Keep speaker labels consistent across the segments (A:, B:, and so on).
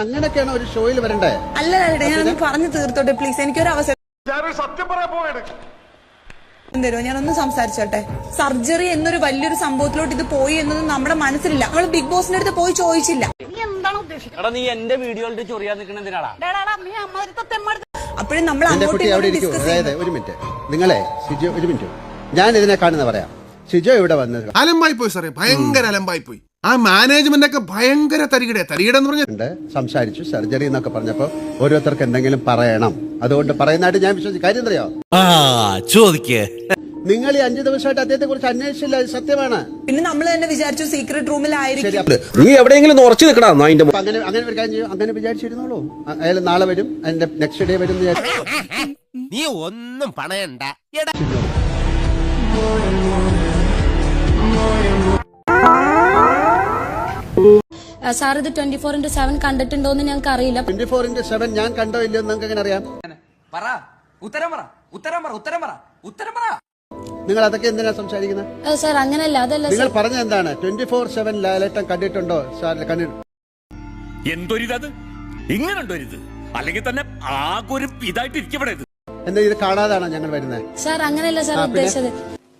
A: അങ്ങനെയൊക്കെയാണ് ഒരു ഷോയിൽ വരണ്ടേ?
B: അല്ല ഞാനൊന്ന് പറഞ്ഞു തീർത്തോട്ടെ പ്ലീസ്, എനിക്കൊരു അവസരം
C: സത്യം പറയാൻ പോവാണ്.
B: തരുമോ? ഞാനൊന്ന് സംസാരിച്ചോട്ടെ. സർജറി എന്നൊരു വലിയൊരു സംഭവത്തിലോട്ട് ഇത് പോയി എന്നൊന്നും നമ്മുടെ മനസ്സിലില്ല. നമ്മൾ ബിഗ് ബോസിന്റെ അടുത്ത് പോയി ചോദിച്ചില്ല.
D: നീ എന്റെ വീഡിയോയിലിട്ട് ചൊറിയാൻ നിൽക്കണെന്തിനാടാ?
B: അപ്പോഴും നമ്മൾ
A: ഒരു മിനിറ്റ് നിങ്ങളെ ഷിജോ, ഒരു മിനിറ്റ് ഞാൻ ഇതിനെ കാണുന്ന പറയാം. ഷിജോ ഇവിടെ വന്നത്
C: അലമ്പായി പോയി സാറേ, ഭയങ്കര അലമ്പായി പോയി. ആ മാനേജ്മെന്റ് ഒക്കെ ഭയങ്കര തരികിടെന്ന് പറഞ്ഞിട്ടുണ്ട്.
A: സംസാരിച്ചു സർജറി എന്നൊക്കെ പറഞ്ഞപ്പോ ഓരോരുത്തർക്ക് എന്തെങ്കിലും പറയണം, അതുകൊണ്ട് പറയുന്നതായിട്ട് ഞാൻ വിശ്വസിച്ചു. കാര്യം അറിയോ,
E: ചോദിക്കേ
A: നിങ്ങൾ ഈ 5 ദിവസമായിട്ട് അദ്ദേഹത്തെ കുറിച്ച് അന്വേഷിച്ചില്ല, അത് സത്യമാണ്.
B: പിന്നെ നമ്മൾ തന്നെ വിചാരിച്ചു സീക്രട്ട് റൂമിലായിരിക്കും.
E: നീ എവിടെയെങ്കിലും ഉറച്ചു നിൽക്കണം.
A: അങ്ങനെ ഒരു കാര്യം ചെയ്യും, അങ്ങനെ വിചാരിച്ചിരുന്നോളൂ. അയാൾ നാളെ വരും, അതിന്റെ നെക്സ്റ്റ് ഡേ വരും.
E: നീ ഒന്നും പണയണ്ട.
F: സാർ ഇത് 24/7 കണ്ടിട്ടുണ്ടോന്ന് ഞങ്ങൾക്ക് അറിയില്ല.
A: 24/7 ഞാൻ കണ്ടോ ഇല്ലയോ നിങ്ങൾക്ക് എങ്ങനെ അറിയാം? നിങ്ങൾ അതൊക്കെ എന്തിനാ സംസാരിക്കുന്നത്?
F: സാർ അങ്ങനല്ല, അതല്ല
A: നിങ്ങൾ പറഞ്ഞ എന്താണ്? 24/7 ലാലേട്ടൻ കണ്ടിട്ടുണ്ടോ?
G: എന്തൊരിത്, ഇങ്ങനെണ്ടൊരിത്, അല്ലെങ്കിൽ തന്നെ ആകെ ഒരു ഇതായിട്ട് ഇരിക്കപ്പെടരുത്.
A: എന്താ ഇത് കാണാതാണോ ഞങ്ങൾ വരുന്നത്?
F: സാർ അങ്ങനെയല്ല സാർ ഉദ്ദേശിച്ചത്.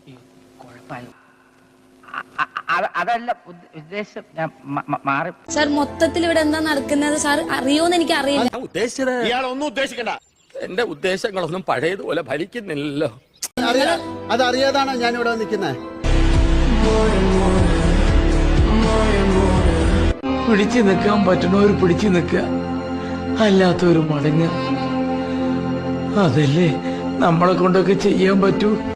H: അതല്ല ഉദ്ദേശം, മാറി.
F: സാർ മൊത്തത്തിൽ ഇവിടെ എന്താ നടക്കുന്നത് സാർ അറിയോന്ന് എനിക്ക് അറിയില്ല.
G: ഉദ്ദേശിച്ചത് ഇയാളൊന്നും ഉദ്ദേശിക്കണ്ട. എന്റെ ഉദ്ദേശങ്ങളൊന്നും പഴയതുപോലെ ഫലിക്കുന്നില്ലല്ലോ.
A: അതറിയാതാണോ ഞാൻ ഇവിടെ നിൽക്കുന്നത്?
I: പിടിച്ചു നിൽക്കാൻ പറ്റുന്നവർ പിടിച്ചു നിൽക്കുക, അല്ലാത്തവർ മടങ്ങുക. അതല്ലേ നമ്മളെ കൊണ്ടൊക്കെ ചെയ്യാൻ പറ്റൂ.